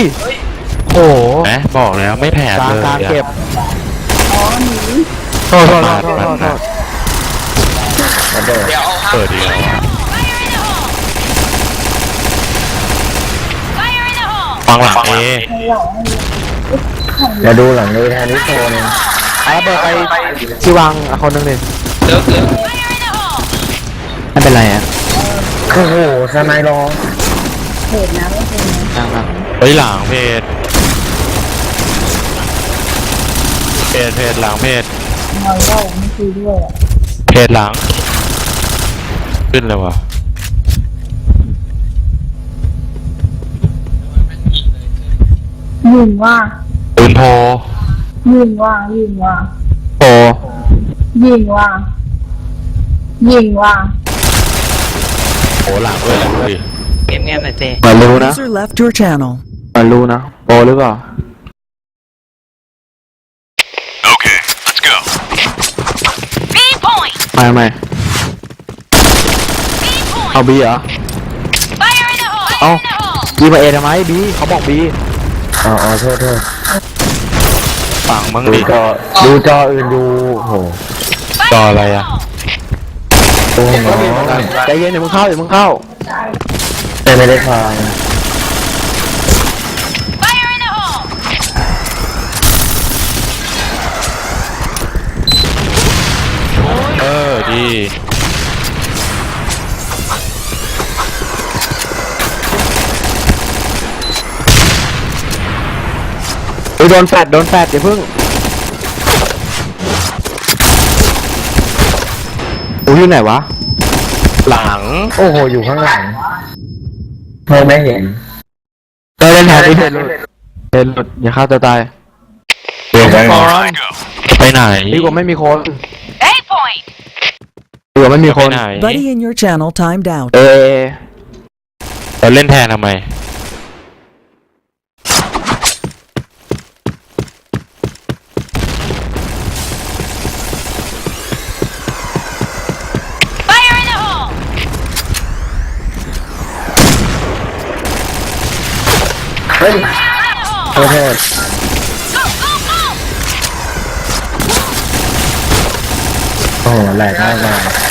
โอ้โหแหมบอกแล้วไม่แผลกลางเลยกลางเก็บอ๋อหนีโทษโทษโทษโทษโทษระเบิดเดี๋ยวเอาเปิดเดียว ฟังหลังเอให้หลังมาดูหลังเลยแทนนิโซนเอาระเบิดไปที่วางคนนึงดิเลิกไม่เป็นไรอ่ะโอ้โหสไนรอเหตุนะไม่เป็นนะกลางครับเฮ้ยหลังเพจหลังเพจนอนเล่าไม่คุยด้วยอ่ะเพจหลัง ขึ้นเลยวะยิงว่าปืนโพยิงว่ายิงว่าโอ้ยิงว่ายิงว่าโหหลังด้วยแหละดูดิเงียบเงียบหน่อยเจมารู้นะ User left your channel. มารู้นะโปรหรือเปล่า Okay, let's go. B point. ไม่ไม่ B point. เอาบีเหรอ Fire in the hole. Oh. Fire in the hole. บีมาเอทำไมบีเขาบอกบีอ๋อโทษฝั่งมึงดูดิจออื่นดูโหจออะไรอะโอ้โหใจเย็นเดี๋ยวมึงเข้าเดี๋ยวมึงเข้าแต่ไม่ได้ฟัง Fire in the hole. เออดีโดนแฟดอย่าเพิ่งอูอยู่ไหนวะหลังโอ้โหอยู่ข้างหลังไม่เห็นเล่นแทนดิเล่นหลุดอย่าฆ่าตัวตายเดี๋ยวก่อนไปไหนดีกว่าไม่มีคน A point. ดีกว่าไม่มีคไปนไหน Buddy in your channel timed out. เอเราเล่นแทนทำไม Fire in the hole. เฮ้ย Fire in the hole. โทษ Go go go. โอ้โหแหลกมากเลย